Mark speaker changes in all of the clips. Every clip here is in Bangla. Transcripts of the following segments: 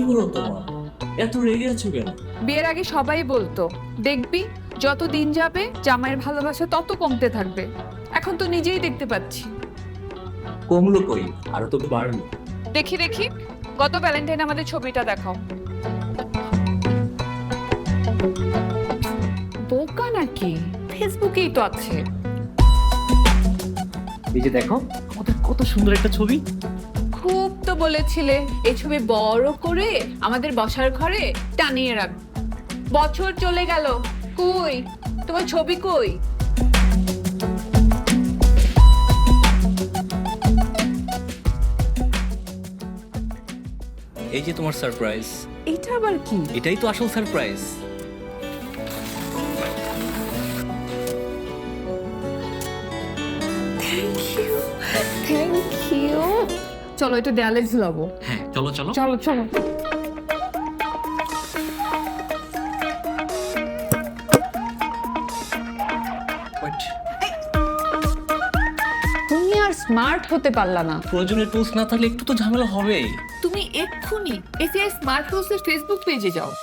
Speaker 1: হলো তোমার? এত রেগে আছো কেন?
Speaker 2: বিয়ের আগে সবাই বলতো দেখবি যত দিন যাবে জামাইয়ের ভালোবাসা তত কমতে থাকবে। এখন তো নিজেই দেখতে পাচ্ছি।
Speaker 1: কমলো কই, আরো তো বাড়লো।
Speaker 2: দেখি দেখি গত ভ্যালেন্টাইন আমাদের ছবিটা দেখাও। বোকা নাকি? ফেসবুকেই তো আছে।
Speaker 1: এই যে দেখো, আমাদের কত সুন্দর একটা ছবি।
Speaker 2: খুব তো বলেছিলে এই ছবি বড় করে আমাদের বসার ঘরে টানিয়ে রাখ। বছর চলে গেল, কই তোমার ছবি কই?
Speaker 3: এই যে তোমার সারপ্রাইজ।
Speaker 2: এটা আবার কি?
Speaker 3: এটাই তো আসল সারপ্রাইজ।
Speaker 2: Thank you. চলো এটা দেয়ালে ঝুলাবো।
Speaker 3: হ্যাঁ চলো চলো।
Speaker 2: চলো চলো।
Speaker 3: Wait,
Speaker 2: তুমি আর স্মার্ট হতে পারলা না।
Speaker 3: প্রয়োজনীয় টুলস না থাকলে একটু তো ঝামেলা হবেই।
Speaker 2: তুমি এক্ষুনি এসিআই স্মার্ট টুলসের ফেসবুক পেজে যাও।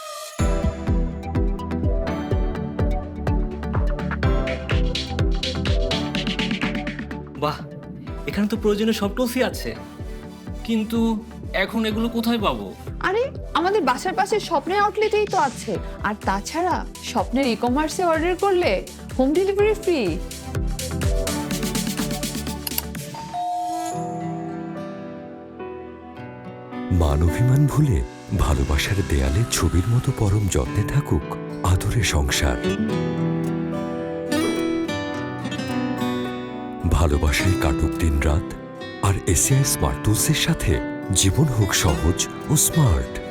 Speaker 3: বাহ, এখানে তো প্রয়োজনীয় সব টুলসই আছে, কিন্তু এখন এগুলো কোথায় পাবো?
Speaker 2: আরে আমাদের বাসার পাশে স্বপ্নের আউটলেটেই তো আছে। আর তাছাড়া স্বপ্নের ই কমার্সে অর্ডার করলে হোম ডেলিভারি ফ্রি।
Speaker 4: মানবিমান ভুলে ভালোবাসার দেয়ালে ছবির মতো পরম যত্নে থাকুক আদরে সংসার। ভালোবাসায় কাটুক দিন রাত, আর এসিআই স্মার্ট টুলসের সাথে জীবন হোক সহজ ও স্মার্ট।